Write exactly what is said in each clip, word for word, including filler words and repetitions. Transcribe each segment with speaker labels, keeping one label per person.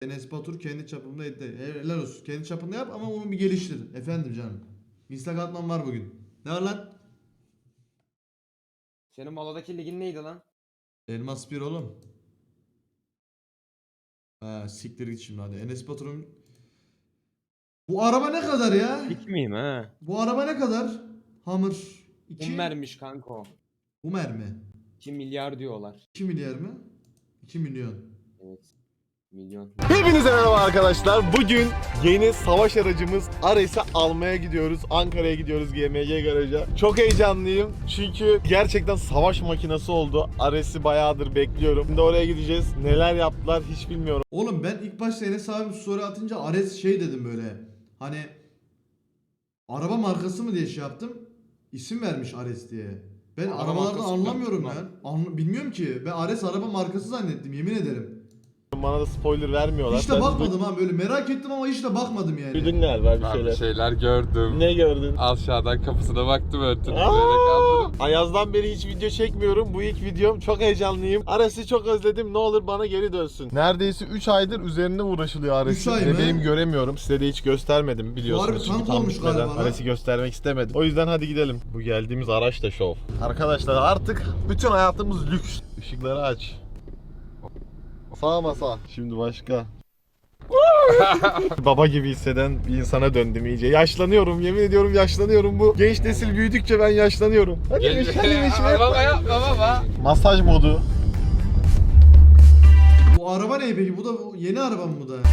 Speaker 1: Enes Batur kendi çapımda etti. Helal olsun. Kendi çapında yap ama onu bir geliştir. Efendim canım. Instagram atmam var bugün. Ne var lan?
Speaker 2: Senin Molo'daki ligin neydi lan?
Speaker 1: Elmas bir oğlum. Ha siktir git şimdi hadi. Enes Batur'un... Bu araba ne kadar ya?
Speaker 2: Hiç miyim ha?
Speaker 1: Bu araba ne kadar? Hammer iki.
Speaker 2: Hummer'miş kanka o.
Speaker 1: Hummer mi?
Speaker 2: iki milyar diyorlar.
Speaker 1: iki milyar mı? iki milyon.
Speaker 2: Evet. Milyon.
Speaker 3: Hepinize merhaba arkadaşlar. Bugün yeni savaş aracımız Ares'i almaya gidiyoruz. Ankara'ya gidiyoruz G M G garaja. Çok heyecanlıyım çünkü gerçekten savaş makinesi oldu. Ares'i bayağıdır bekliyorum. Şimdi oraya gideceğiz. Neler yaptılar hiç bilmiyorum.
Speaker 1: Oğlum ben ilk başta Enes abim story atınca Ares şey dedim böyle. Hani araba markası mı diye şey yaptım. İsim vermiş Ares diye. Ben
Speaker 2: Araba
Speaker 1: arabalardan
Speaker 2: markası
Speaker 1: anlamıyorum
Speaker 2: mı?
Speaker 1: ya. Anla- bilmiyorum ki. Ben Ares araba markası zannettim yemin ederim.
Speaker 3: Bana da spoiler vermiyorlar.
Speaker 1: Hiç de
Speaker 3: Ben
Speaker 1: bakmadım ha böyle merak ettim ama hiç de bakmadım yani.
Speaker 3: Duydun galiba bir
Speaker 4: Ben
Speaker 3: şeyler.
Speaker 4: bir şeyler gördüm.
Speaker 3: Ne gördün?
Speaker 4: Aşağıdan kapısına baktım örtülü.
Speaker 3: Aa!
Speaker 4: Böyle kaldım.
Speaker 3: Ayaz'dan beri hiç video çekmiyorum. Bu ilk videom. Çok heyecanlıyım. Ares'i çok özledim. Ne olur bana geri dönsün. Neredeyse üç aydır üzerine uğraşılıyor Ares'in.
Speaker 1: üç ay mı?
Speaker 3: Bebeğim göremiyorum. Size de hiç göstermedim biliyorsunuz.
Speaker 1: Harbi
Speaker 3: Çünkü
Speaker 1: tank
Speaker 3: tam
Speaker 1: olmuş
Speaker 3: bitmeden
Speaker 1: galiba lan.
Speaker 3: Ares'i göstermek istemedim. O yüzden hadi gidelim. Bu geldiğimiz araç da şov. Arkadaşlar artık bütün hayatımız lüks. Işıkları aç. Sağ masa. Şimdi başka. Baba gibi hisseden bir insana döndüm iyice. Yaşlanıyorum, yemin ediyorum yaşlanıyorum. Bu genç nesil büyüdükçe ben yaşlanıyorum. Hadi
Speaker 4: Gel-
Speaker 3: iş, hadi iş.
Speaker 4: Baba yapma baba.
Speaker 3: Masaj modu.
Speaker 1: Bu araba ne peki? Bu da bu yeni araba mı bu da?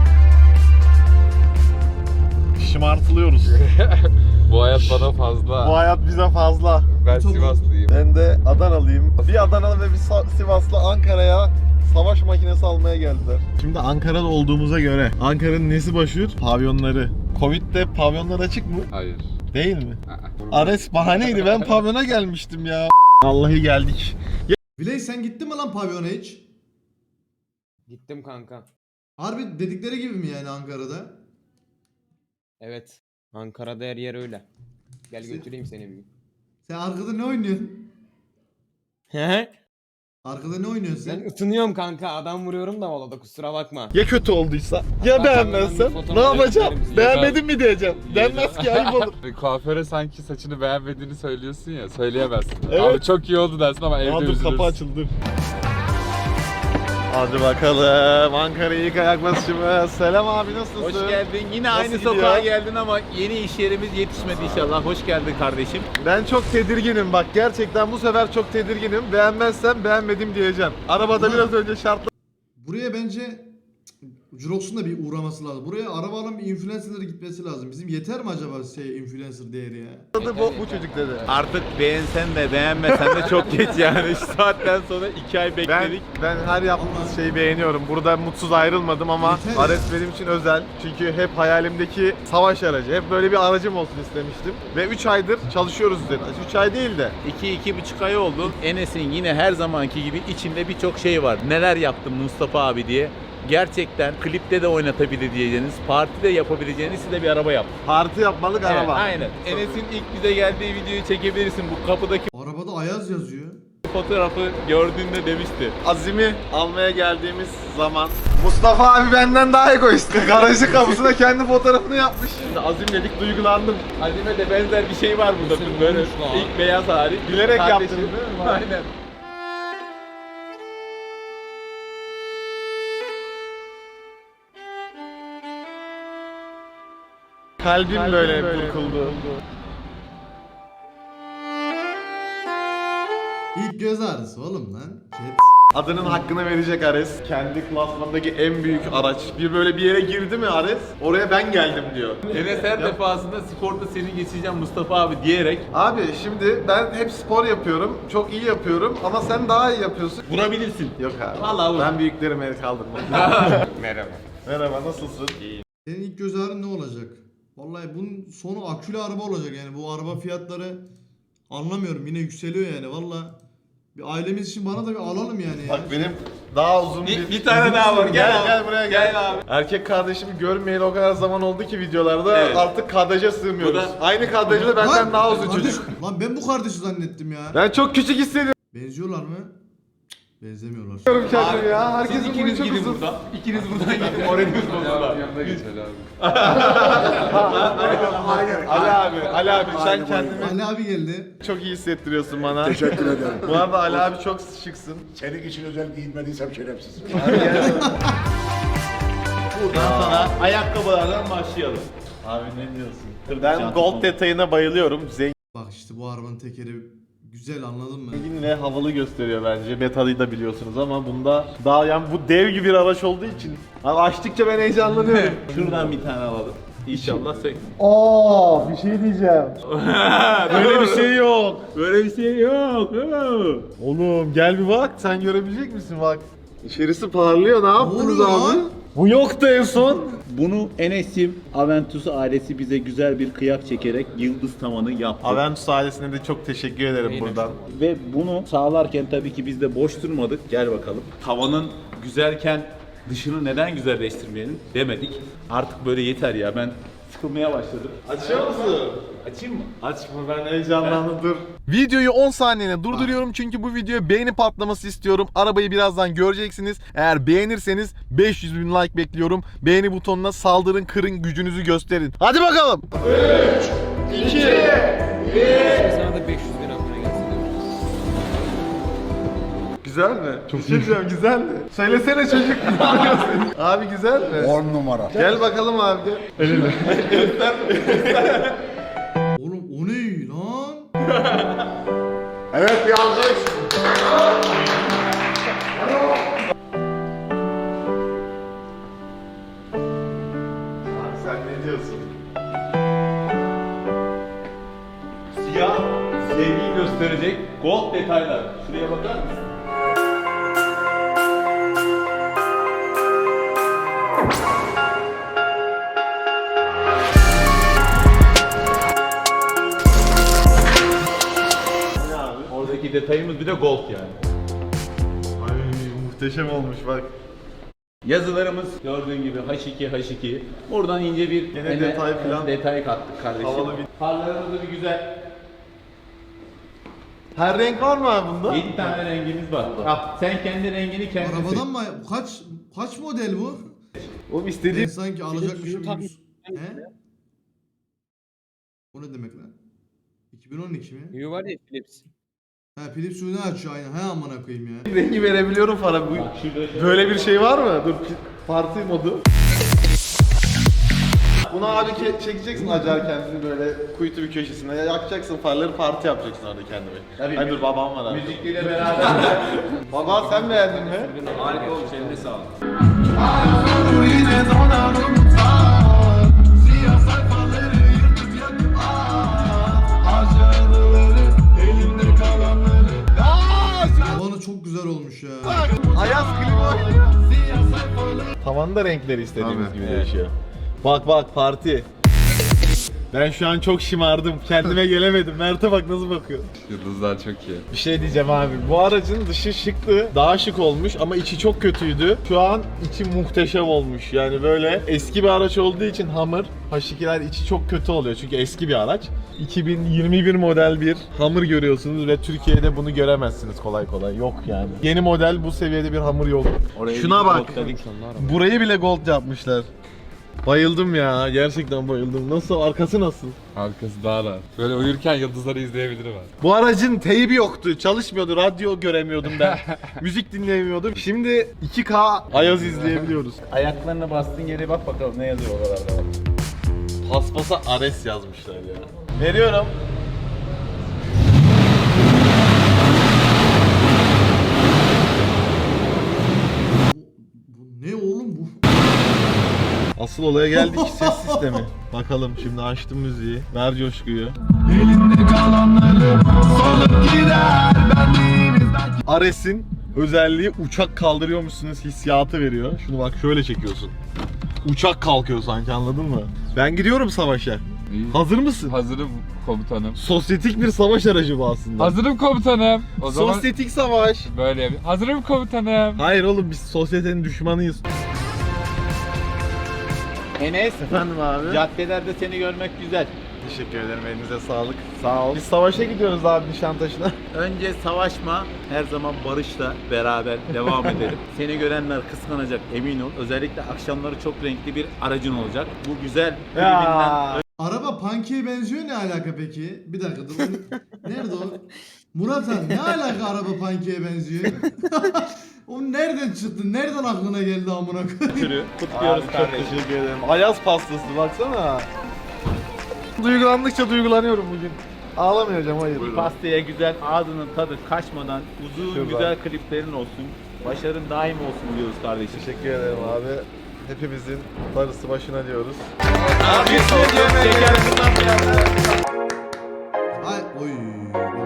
Speaker 3: Şımartılıyoruz.
Speaker 4: Bu hayat bana
Speaker 3: Bu
Speaker 4: fazla.
Speaker 3: hayat bize fazla.
Speaker 4: Ben
Speaker 1: Çok-
Speaker 4: Sivaslıyım.
Speaker 3: Ben de Adanalıyım. Bir Adanalı ve bir Sa- Sivaslı Ankara'ya savaş makinesi almaya geldiler. Şimdi Ankara'da olduğumuza göre Ankara'nın nesi başlıyor? Pavyonları. Covid'de pavyonlar açık mı?
Speaker 4: Hayır.
Speaker 3: Değil mi?
Speaker 4: Aa.
Speaker 3: Ares bahaneydi. Ben pavyona gelmiştim ya. Vallahi geldik.
Speaker 1: Viley sen gittin mi lan pavyona hiç?
Speaker 2: Gittim kanka.
Speaker 1: Harbi dedikleri gibi mi yani Ankara'da?
Speaker 2: Evet. Ankara'da her yer öyle. Gel
Speaker 1: Sen-
Speaker 2: götüreyim seni bir gün.
Speaker 1: Sen arkada ne oynuyorsun?
Speaker 2: He?
Speaker 1: Arkada ne oynuyorsun
Speaker 2: Ben
Speaker 1: sen?
Speaker 2: ısınıyorum kanka. Adam vuruyorum da Molo'da kusura bakma.
Speaker 3: Ya kötü olduysa? Ya beğenmezsem? Ne yapacağım? Beğenmedin mi diyeceğim. Denmez ki ayıp olur.
Speaker 4: Kuaföre sanki saçını beğenmediğini söylüyorsun ya, söyleyemezsin.
Speaker 3: Evet.
Speaker 4: Abi çok iyi oldu dersin ama evde
Speaker 3: Aa, dur
Speaker 4: üzülürsün.
Speaker 3: kapı açıldı. Hadi bakalım Ankara'ya ilk ayak basışımız. Selam abi nasılsın?
Speaker 5: Hoş geldin. Yine
Speaker 3: Nasıl
Speaker 5: aynı
Speaker 3: gidiyor?
Speaker 5: sokağa geldin ama yeni iş yerimiz yetişmedi inşallah. Hoş geldin kardeşim.
Speaker 3: Ben çok tedirginim bak gerçekten bu sefer çok tedirginim. Beğenmezsem beğenmedim diyeceğim. Arabada
Speaker 1: Ulan-
Speaker 3: biraz önce şartlı.
Speaker 1: Buraya bence Jurox'un da bir uğraması lazım. Buraya araba alan bir influencer'lara gitmesi lazım. Bizim yeter mi acaba şey influencer değeri ya?
Speaker 3: Bu, bu çocuk dedi.
Speaker 5: Artık beğensen de beğenmesen de çok geç yani. Şu saatten sonra iki ay
Speaker 3: Ben,
Speaker 5: bekledik.
Speaker 3: ben her yaptığınız şeyi beğeniyorum. Burada mutsuz ayrılmadım ama
Speaker 1: Yeter.
Speaker 3: Ares benim için özel. Çünkü hep hayalimdeki savaş aracı. Hep böyle bir aracım olsun istemiştim. Ve üç aydır çalışıyoruz üzerine. üç ay değil de.
Speaker 5: iki iki buçuk ay oldu. Enes'in yine her zamanki gibi içinde birçok şey var. Neler yaptım Mustafa abi diye. Gerçekten klipte de oynatabilir diyeceğiniz, partide yapabileceğiniz size bir araba yaptım.
Speaker 3: Parti yapmalık
Speaker 5: Evet,
Speaker 3: araba.
Speaker 5: aynen. Enes'in ilk bize geldiği videoyu çekebilirsin. Bu kapıdaki
Speaker 1: Arabada Ayaz yazıyor.
Speaker 5: fotoğrafı gördüğünde demişti.
Speaker 3: Azim'i almaya geldiğimiz zaman Mustafa abi benden daha egoist. Garajın kapısına kendi fotoğrafını yapmış. Şimdi Azim dedik duygulandım.
Speaker 5: Azime de benzer bir şey var burada. Böyle ilk beyaz hali.
Speaker 3: Bilerek
Speaker 5: Kardeşim.
Speaker 3: yaptınız değil mi?
Speaker 5: Aynen.
Speaker 3: Kalbim, böyle, burkuldu.
Speaker 1: İlk göz ağrısı oğlum lan. Chat.
Speaker 3: Adının hakkını verecek Ares. Kendi klasmandaki en büyük araç. Bir böyle bir yere girdi mi Ares? Oraya ben geldim diyor.
Speaker 5: Enes her defasında sporda seni geçeceğim Mustafa abi diyerek
Speaker 3: Abi şimdi ben hep spor yapıyorum. Çok iyi yapıyorum ama sen daha iyi yapıyorsun.
Speaker 5: vurabilirsin.
Speaker 3: Yok abi.
Speaker 5: Vallahi vur.
Speaker 3: Ben büyüklerime el kaldırmam.
Speaker 4: Merhaba.
Speaker 3: Merhaba nasılsın?
Speaker 1: Senin ilk göz ağrın ne olacak? Vallahi bunun sonu akülü araba olacak yani. Bu araba fiyatları anlamıyorum. Yine yükseliyor yani. Vallahi bir ailemiz için bana da bir alalım yani. ya.
Speaker 3: Bak benim daha uzun bir...
Speaker 5: Bir, bir tane daha var. Gel,
Speaker 3: Gel
Speaker 5: abi.
Speaker 3: gel buraya gel.
Speaker 5: Gel abi.
Speaker 3: Erkek kardeşimi görmeyeli o kadar zaman oldu ki videolarda
Speaker 5: Evet.
Speaker 3: artık kadraja sığmıyoruz.
Speaker 5: Bu da-
Speaker 3: Aynı kadrajda da benden
Speaker 1: Lan,
Speaker 3: daha uzun
Speaker 1: kardeş-
Speaker 3: çocuk.
Speaker 1: Lan ben bu kardeşi zannettim ya.
Speaker 3: Ben çok küçük hissediyorum.
Speaker 1: Benziyorlar mı? Cık, Benzemiyorlar.
Speaker 3: Kendim ya. Herkesin boyu çok uzun.
Speaker 5: buradan. İkiniz buradan gidin. Moraliniz bozuldu.
Speaker 4: Yanına geç Ali abi.
Speaker 3: Ali abi, Ali abi sen kendini
Speaker 1: Ali abi geldi.
Speaker 3: çok iyi hissettiriyorsun bana.
Speaker 6: Teşekkür ederim.
Speaker 3: Bu arada Ali abi çok şıksın.
Speaker 6: Senin için özel giyinmediysem şerefsiz.
Speaker 5: Buradan sana ayakkabılardan başlayalım. Abi ne diyorsun?
Speaker 3: Ben gold detayına bayılıyorum.
Speaker 1: Bak işte bu arabanın tekeri güzel, anladın mı?
Speaker 3: Zengin ve havalı gösteriyor bence. Beta'yı da biliyorsunuz ama bunda daha yani bu dev gibi bir araç olduğu için abi açtıkça ben heyecanlanıyorum.
Speaker 5: Şuradan bir tane alalım. İnşallah sek.
Speaker 3: Aa, bir şey diyeceğim. Böyle bir şey yok.
Speaker 5: Böyle bir şey yok.
Speaker 3: Oğlum gel bir bak, sen görebilecek misin bak. İçerisi parlıyor, ne yaptınız
Speaker 1: oluyor
Speaker 3: abi?
Speaker 1: lan?
Speaker 3: Bu yoktu en son.
Speaker 5: Bunu Enes'im Aventus ailesi bize güzel bir kıyak çekerek yıldız tavanı yaptı.
Speaker 3: Aventus ailesine de çok teşekkür ederim
Speaker 2: Aynen.
Speaker 3: buradan.
Speaker 5: Ve bunu sağlarken tabii ki biz de boş durmadık. Gel bakalım. Tavanın güzelken dışını neden güzelleştirmeyelim demedik. Artık böyle yeter ya, ben sıkılmaya başladım.
Speaker 3: Açıyor musun?
Speaker 5: Açayım mı?
Speaker 3: Açma, ben heyecanlandım, dur. Videoyu on saniyene durduruyorum çünkü bu videoya beğeni patlaması istiyorum. Arabayı birazdan göreceksiniz. Eğer beğenirseniz beş yüz bin like bekliyorum. Beğeni butonuna saldırın, kırın, gücünüzü gösterin. Hadi bakalım. üç, iki,
Speaker 2: Sana da beş yüz bin abone gelsin.
Speaker 3: Güzel mi? Çok iyi. Güzel mi? Söylesene çocuk. Abi güzel mi?
Speaker 6: on numara.
Speaker 3: Gel bakalım abi gel.
Speaker 1: Oğlum o ne lan?
Speaker 6: Evet, bir alkış.
Speaker 3: Abi sen ne diyorsun?
Speaker 5: Siyah sevgiyi gösterecek gold detaylar. Şuraya bakar mısın?
Speaker 3: Ne abi?
Speaker 5: Oradaki detayımız bir de gold yani.
Speaker 3: Ay muhteşem olmuş bak.
Speaker 5: Yazılarımız gördüğün gibi H iki H iki. Buradan ince bir
Speaker 3: Gene
Speaker 5: ene-
Speaker 3: detay falan.
Speaker 5: detay kattık kardeşim.
Speaker 3: Havalı bir-
Speaker 5: Farlarımız da bir güzel.
Speaker 3: Her renk var mı abi bunda?
Speaker 5: yedi tane rengimiz var. Al, sen kendi rengini kendin seç.
Speaker 1: Arabadan mı? Kaç kaç model bu?
Speaker 3: Oğlum
Speaker 1: Ben
Speaker 3: istediğim...
Speaker 1: sanki alacakmışım
Speaker 2: Philips
Speaker 1: gibi.
Speaker 2: Hue
Speaker 1: He? O ne demek lan? iki bin on iki mi?
Speaker 2: Hue var ya Philips.
Speaker 1: Ha Philips Hue'ni açıyor aynen. He amına koyayım ya.
Speaker 3: rengi verebiliyorum para. Bu, böyle bir şey var mı? Dur, parti modu. Bunu abi ke- çekeceksin acar kendini böyle kuytu bir köşesine, yakacaksın farları, parti yapacaksın orada kendine.
Speaker 5: Tabii.
Speaker 3: Ay dur, babam var abi.
Speaker 5: Müzikliyle beraber.
Speaker 3: Baba sen beğendin mi?
Speaker 2: Harika olmuş, eline sağlık.
Speaker 1: Tavanı çok güzel olmuş ya.
Speaker 3: Ayaz klima oynuyor. Tavanda renkleri istediğimiz gibi değişiyor. Bak bak parti. Ben şu an çok şımardım. Kendime gelemedim. Mert'e bak nasıl bakıyor.
Speaker 4: Yıldızlar çok iyi.
Speaker 3: Bir şey diyeceğim abi. Bu aracın dışı şıktı. Daha şık olmuş ama içi çok kötüydü. Şu an içi muhteşem olmuş. Yani böyle eski bir araç olduğu için Hummer H ikiler içi çok kötü oluyor. Çünkü eski bir araç. iki bin yirmi bir model bir Hummer görüyorsunuz ve Türkiye'de bunu göremezsiniz kolay kolay. Yok yani. Yeni model bu seviyede bir Hummer yok. Şuna bak. Burayı bile gold yapmışlar. Bayıldım ya. Gerçekten bayıldım. Nasıl? Arkası nasıl?
Speaker 4: Arkası daha rahat. Böyle uyurken yıldızları izleyebilirim abi.
Speaker 3: Bu aracın teybi yoktu. Çalışmıyordu. Radyo göremiyordum ben. Müzik dinleyemiyordum. Şimdi iki K Ayaz izleyebiliyoruz.
Speaker 5: Ayaklarına bastığın yere bak bakalım ne yazıyor oralarda. Bak.
Speaker 3: Paspasa Ares yazmışlar ya. Veriyorum.
Speaker 1: Bu ne oğlum bu?
Speaker 3: Asıl olaya geldik, ses sistemi. Bakalım şimdi açtım müziği. Ver coşkuyu. Ares'in özelliği uçak kaldırıyormuşsunuz hissiyatı veriyor. Şunu bak şöyle çekiyorsun. Uçak kalkıyor sanki, anladın mı? Ben gidiyorum savaşa.
Speaker 4: İyi.
Speaker 3: Hazır mısın?
Speaker 4: Hazırım komutanım.
Speaker 3: Sosyetik bir savaş aracı bu aslında.
Speaker 4: Hazırım komutanım. O zaman
Speaker 3: Sosyetik savaş.
Speaker 4: böyle yapayım. Hazırım komutanım.
Speaker 3: Hayır oğlum, biz sosyetenin düşmanıyız.
Speaker 5: Enes,
Speaker 3: Efendim abi?
Speaker 5: caddelerde seni görmek güzel.
Speaker 3: Teşekkür ederim. Elinize sağlık. Sağ ol. Biz savaşa gidiyoruz abi Nişantaşı'na.
Speaker 5: Önce savaşma, her zaman barışla beraber devam edelim. Seni görenler kıskanacak, emin ol. Özellikle akşamları çok renkli bir aracın olacak. Bu güzel klibinden
Speaker 3: Ya.
Speaker 1: Araba Punky'ye benziyor, ne alaka peki? Bir dakika dur. Nerede o? Murat Han, ne alaka araba Punky'ye benziyor? O nereden çıktı? Nereden aklına geldi amına koyayım?
Speaker 3: Kutluyoruz kardeşim. Çok teşekkür ederim. Ayaz pastası baksana. Duygulandıkça duygulanıyorum bugün. Ağlamayacağım, hayır.
Speaker 5: pastaya güzel, ağzının tadı kaçmadan uzun
Speaker 3: Şuradan.
Speaker 5: güzel kliplerin olsun. Başarın daim olsun diyoruz kardeşim.
Speaker 3: Teşekkür ederim abi. Hepimizin darısı başına diyoruz.
Speaker 5: Abi şeker
Speaker 1: Ay oy. Bak.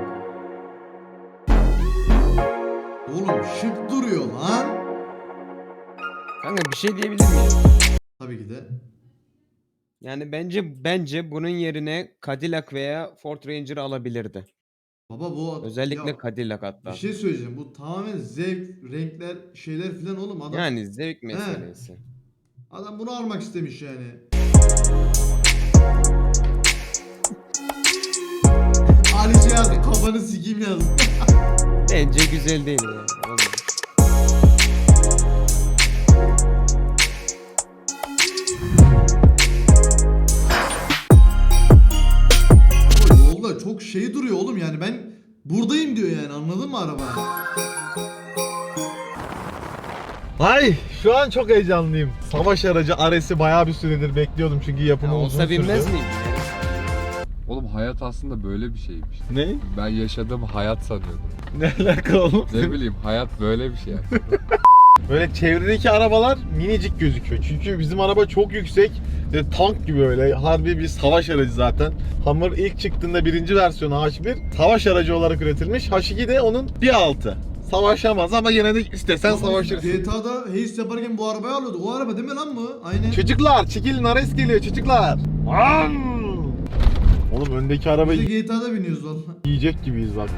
Speaker 1: Oğlum şık duruyor lan.
Speaker 7: Kanka bir şey diyebilir miyim?
Speaker 1: Tabii ki de.
Speaker 7: Yani bence bence bunun yerine Cadillac veya Ford Ranger alabilirdi.
Speaker 1: Baba bu
Speaker 7: Özellikle
Speaker 1: ya,
Speaker 7: Cadillac hatta.
Speaker 1: bir şey söyleyeceğim. Bu tamamen zevk, renkler, şeyler filan oğlum. Adam
Speaker 7: Yani zevk meselesi.
Speaker 1: adam bunu almak istemiş yani. Alice yazdı, kafanı sikeyim yazdı.
Speaker 7: Bence güzel değil yani. Vallahi.
Speaker 1: Yolda çok şey duruyor oğlum, yani ben buradayım diyor yani, anladın mı araba?
Speaker 3: Ay şu an çok heyecanlıyım. Savaş aracı Ares'i bayağı bir süredir bekliyordum çünkü yapımı
Speaker 7: Ya
Speaker 3: uzun
Speaker 7: olsa
Speaker 3: sürdü.
Speaker 7: binmez miyim?
Speaker 4: Oğlum hayat aslında böyle bir şeymiş.
Speaker 3: Ne?
Speaker 4: Ben yaşadığım hayat sanıyordum.
Speaker 3: Ne alaka oğlum?
Speaker 4: Ne bileyim hayat böyle bir şey yani.
Speaker 3: Böyle çevredeki arabalar minicik gözüküyor. Çünkü bizim araba çok yüksek ve tank gibi öyle. Harbi bir savaş aracı zaten. Hummer ilk çıktığında birinci versiyonu H bir savaş aracı olarak üretilmiş. H iki de onun bir altı. Savaşamaz ama yine de istesen savaşırsın.
Speaker 1: G T A'da Haze yaparken bu arabayı alıyorduk. O araba değil mi lan bu? Aynen.
Speaker 3: Çocuklar çekilin, Ares geliyor çocuklar. Aa! Oğlum öndeki arabayı
Speaker 1: Biz de G T A'da biniyoruz valla.
Speaker 3: yiyecek gibiyiz bak.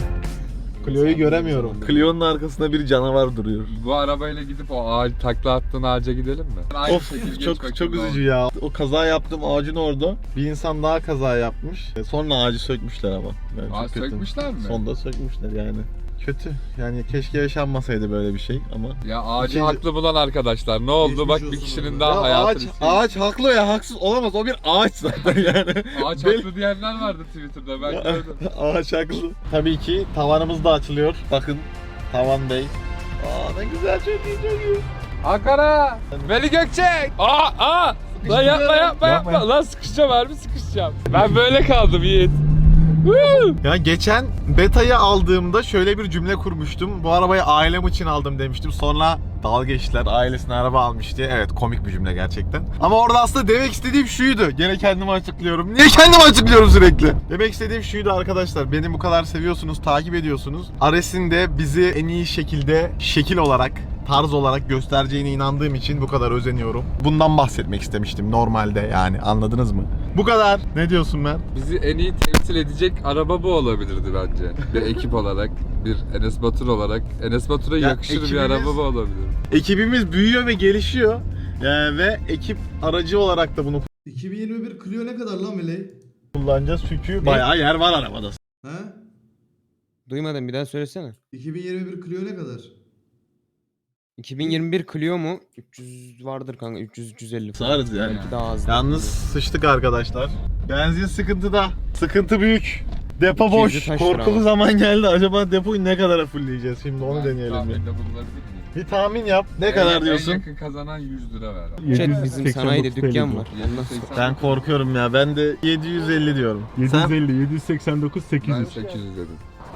Speaker 3: Clio'yu göremiyorum. Clio'nun arkasında bir canavar duruyor.
Speaker 4: Bu arabayla gidip o ağaç takla attığın ağaca gidelim mi? Aynı
Speaker 3: Of
Speaker 4: şekilde geç
Speaker 3: çok
Speaker 4: bakayım
Speaker 3: çok
Speaker 4: ne oldu.
Speaker 3: üzücü ya. O kaza yaptığım ağacın orada bir insan daha kaza yapmış. E, Sonra ağacı sökmüşler ama. Yani çok
Speaker 4: Aa,
Speaker 3: kötü.
Speaker 4: sökmüşler mi?
Speaker 3: Sonda sökmüşler yani. Kötü. Yani keşke yaşanmasaydı böyle bir şey ama.
Speaker 4: Ya ağacı
Speaker 3: İkinci-
Speaker 4: haklı bulan arkadaşlar. Ne oldu?
Speaker 1: Geçmiş
Speaker 4: Bak
Speaker 1: olsun
Speaker 4: bir kişinin
Speaker 1: oğlum.
Speaker 4: daha
Speaker 3: Ya
Speaker 4: hayatını
Speaker 3: ağaç,
Speaker 4: sildi.
Speaker 3: ağaç haklı ya, haksız olamaz. O bir ağaç zaten yani.
Speaker 4: Ağaç
Speaker 3: Bel-
Speaker 4: haklı diyenler vardı Twitter'da ben gördüm.
Speaker 3: Ağaç haklı. Tabii ki tavanımız da açılıyor. Bakın Tavan Bey. Aa ne güzel, çok iyi çok iyi.
Speaker 4: Ankara! Veli Gökçek! Aa aa! Lan yapma yapma yapma!
Speaker 3: Yapma.
Speaker 4: Lan sıkışacağım harbi sıkışacağım. Ben böyle kaldım Yiğit. Woo!
Speaker 3: Ya geçen beta'yı aldığımda şöyle bir cümle kurmuştum. Bu arabayı ailem için aldım demiştim. Sonra dalga geçtiler, ailesine araba almış diye. Evet, komik bir cümle gerçekten. Ama orada aslında demek istediğim şuydu. Gene kendimi açıklıyorum. Niye kendimi açıklıyorum sürekli? Demek istediğim şuydu arkadaşlar. Beni bu kadar seviyorsunuz, takip ediyorsunuz. Ares'in de bizi en iyi şekilde şekil olarak, tarz olarak göstereceğine inandığım için bu kadar özeniyorum. Bundan bahsetmek istemiştim normalde yani, anladınız mı? Bu kadar. Ne diyorsun Mert?
Speaker 4: Bizi en iyi temsil edecek araba bu olabilirdi bence. Bir ekip olarak, bir Enes Batur olarak. Enes Batur'a
Speaker 3: Ya
Speaker 4: yakışır bir
Speaker 3: ekibimiz-
Speaker 4: araba bu olabilir.
Speaker 3: Ekibimiz büyüyor ve gelişiyor. Ee, ve ekip aracı olarak da bunu
Speaker 1: iki bin yirmi bir Clio ne kadar lan Meley?
Speaker 3: kullanacağız çünkü bayağı yer var arabada.
Speaker 1: He?
Speaker 7: Duymadım, bir daha söylesene.
Speaker 1: iki bin yirmi bir Clio ne kadar?
Speaker 7: iki bin yirmi bir Clio mu? üç yüz vardır kanka, üç yüz üç yüz elli falan.
Speaker 3: Sığarız yani.
Speaker 7: Belki daha az.
Speaker 3: Yalnız sıçtık arkadaşlar. Benzin sıkıntıda. Sıkıntı büyük. Depo
Speaker 7: iki yüzü
Speaker 3: boş.
Speaker 7: taşır
Speaker 3: Korkulu
Speaker 7: ama.
Speaker 3: zaman geldi. Acaba depoyu ne kadara fullleyeceğiz? Şimdi onu
Speaker 4: Ben
Speaker 3: deneyelim bir.
Speaker 4: tahminde bulunabilir miyim?
Speaker 3: Bir tahmin yap. Ne
Speaker 4: En-
Speaker 3: kadar
Speaker 4: En
Speaker 3: diyorsun?
Speaker 4: yakın kazanan yüz lira ver. abi.
Speaker 7: Chat, bizim sanayide dükkan var. Ondan sonra.
Speaker 3: Ben korkuyorum ya. Ben de yedi yüz elli diyorum.
Speaker 8: yedi yüz
Speaker 3: Sen?
Speaker 8: elli, yedi yüz seksen dokuz, sekiz
Speaker 4: Ben
Speaker 8: yüz.
Speaker 4: sekiz yüz dedim.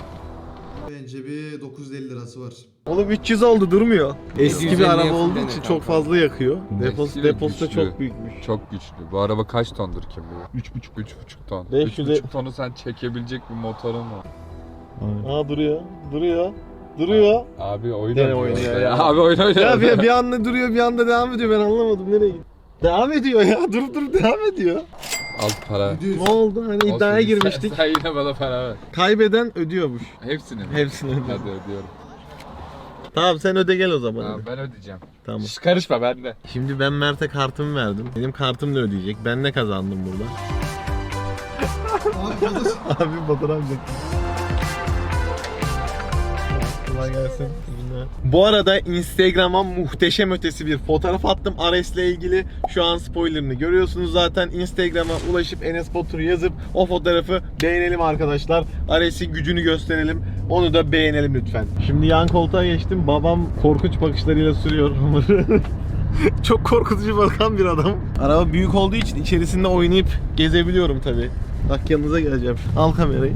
Speaker 1: Bence bir dokuz yüz elli lirası var.
Speaker 3: Oğlum üç yüz oldu, durmuyor. Eski bir
Speaker 7: yedi yüz elliye
Speaker 3: araba olduğu
Speaker 7: fullenir
Speaker 3: için
Speaker 7: kanka.
Speaker 3: çok fazla yakıyor. Deposu,
Speaker 4: Eski ve
Speaker 3: deposu da
Speaker 4: güçlü.
Speaker 3: çok büyükmüş.
Speaker 4: Çok güçlü. Bu araba kaç tondur kim bilir?
Speaker 8: üç buçuk.
Speaker 4: üç buçuk ton.
Speaker 3: beş
Speaker 4: üç
Speaker 3: yüz
Speaker 4: buçuk tonu sen çekebilecek bir motorun var.
Speaker 3: Aa duruyor. Duruyor. Duruyor.
Speaker 4: Abi oyun
Speaker 3: Gene
Speaker 4: oynuyor
Speaker 3: oynuyor
Speaker 4: işte
Speaker 3: ya.
Speaker 4: Abi oyun oynuyor.
Speaker 3: Ya bir, bir anda duruyor, bir anda devam ediyor. Ben anlamadım nereye gitti. Devam ediyor ya. Durup durup devam ediyor.
Speaker 4: Al para.
Speaker 1: yedi yüz.
Speaker 3: Ne oldu? Hani
Speaker 4: Olsun,
Speaker 3: iddiaya
Speaker 4: sen-
Speaker 3: girmiştik.
Speaker 4: Sen yine bana para ver.
Speaker 3: Kaybeden ödüyormuş.
Speaker 4: Hepsini mi?
Speaker 3: Hepsini ödüyor.
Speaker 4: Hadi ödüyorum.
Speaker 3: Tamam sen öde gel o zaman.
Speaker 4: Tamam
Speaker 3: hadi.
Speaker 4: ben ödeyeceğim.
Speaker 3: Tamam.
Speaker 4: Hiç karışma bende.
Speaker 3: Şimdi ben Mert'e kartımı verdim. Benim kartım da ödeyecek. Ben ne kazandım burada?
Speaker 1: Abi fotoğraf-
Speaker 3: Abi fotoğraf çek. Kolay gelsin. Bu arada Instagram'a muhteşem ötesi bir fotoğraf attım Ares'le ilgili. Şu an spoilerını görüyorsunuz zaten. Instagram'a ulaşıp Enes Batur yazıp o fotoğrafı beğenelim arkadaşlar. Ares'in gücünü gösterelim. Onu da beğenelim lütfen. Şimdi yan koltuğa geçtim. Babam korkunç bakışlarıyla sürüyor hamuru. Çok korkutucu bakan bir adam. Araba büyük olduğu için içerisinde oynayıp gezebiliyorum tabii. Bak yanınıza geleceğim. Al kamerayı.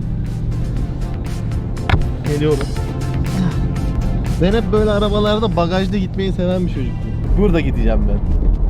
Speaker 3: Geliyorum. Ben hep böyle arabalarda bagajda gitmeyi seven bir çocuktum. Burada gideceğim ben.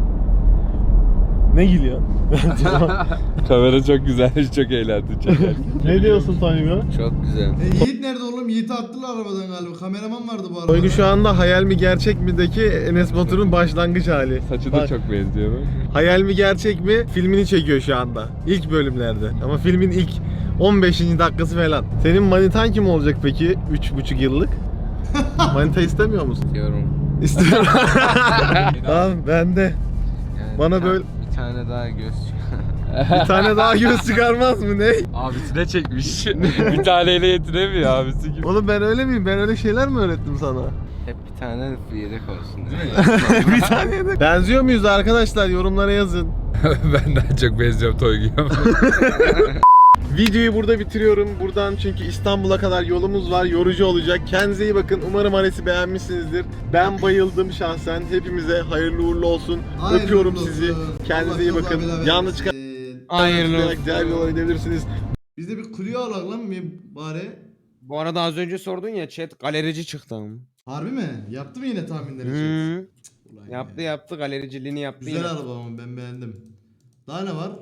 Speaker 3: Ne gülüyor?
Speaker 4: Kamera çok güzelmiş, çok eğlendim çekerken.
Speaker 3: Ne diyorsun Toygu?
Speaker 4: Çok güzel.
Speaker 1: E, Yiğit nerede oğlum? Yiğit'i attılar arabadan galiba. Kameraman vardı bu arada.
Speaker 3: Toygu şu anda hayal mi gerçek mi'deki Enes Batur'un başlangıç hali.
Speaker 4: Saçı da
Speaker 3: Bak,
Speaker 4: çok benziyor bak.
Speaker 3: hayal mi gerçek mi filmini çekiyor şu anda. İlk bölümlerde. Ama filmin ilk on beşinci dakikası falan. Senin manitan kim olacak peki? üç buçuk yıllık. Manita istemiyor musun?
Speaker 8: Diyorum.
Speaker 3: İstiyorum. Tamam ben de.
Speaker 8: Yani
Speaker 3: Bana
Speaker 8: bir ta-
Speaker 3: böyle-
Speaker 8: bir tane daha göz
Speaker 3: Bir tane daha göz çıkarmaz mı ne?
Speaker 4: Abisine çekmiş. Bir taneyle yetinemiyor abisi gibi.
Speaker 3: Oğlum ben öyle miyim? Ben öyle şeyler mi öğrettim sana?
Speaker 8: hep bir tane yedek olsun değil mi?
Speaker 3: Bir tane de. Benziyor muyuz arkadaşlar? Yorumlara yazın.
Speaker 4: Ben daha çok benziyorum Toygu'ya.
Speaker 3: Videoyu burada bitiriyorum. Buradan çünkü İstanbul'a kadar yolumuz var. Yorucu olacak. Kendinize iyi bakın. Umarım Ares'i beğenmişsinizdir. Ben bayıldım şahsen. Hepimize hayırlı uğurlu olsun.
Speaker 1: Hayırlı
Speaker 3: Öpüyorum
Speaker 1: olsun.
Speaker 3: sizi. Kendinize
Speaker 1: Allah
Speaker 3: iyi
Speaker 1: çok
Speaker 3: bakın.
Speaker 1: abiler
Speaker 3: Yalnız
Speaker 1: versin.
Speaker 3: çıkan
Speaker 1: Ee,
Speaker 7: Hayırlı olsun.
Speaker 3: diğer bir yola gidebilirsiniz.
Speaker 1: Biz de bir kulüye alak lan mı bari?
Speaker 7: Bu arada az önce sordun ya chat galerici çıktı ama.
Speaker 1: Harbi mi? Yaptı mı yine tahminleri?
Speaker 7: Hı.
Speaker 1: Ulan
Speaker 7: Yaptı
Speaker 1: ya.
Speaker 7: yaptı galericiliğini yaptı.
Speaker 1: Güzel
Speaker 7: yine.
Speaker 1: araba ama ben beğendim. Daha ne var?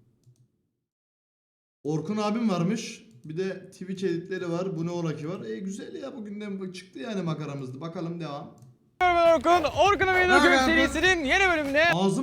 Speaker 1: Orkun abim varmış. Bir de Twitch editleri var. Bu ne ola ki var. E güzel ya bugünden bu çıktı yani makaramızda. Bakalım devam.
Speaker 7: Orkun, Orkun'un Video Game serisinin yeni bölümünde
Speaker 1: Ağzım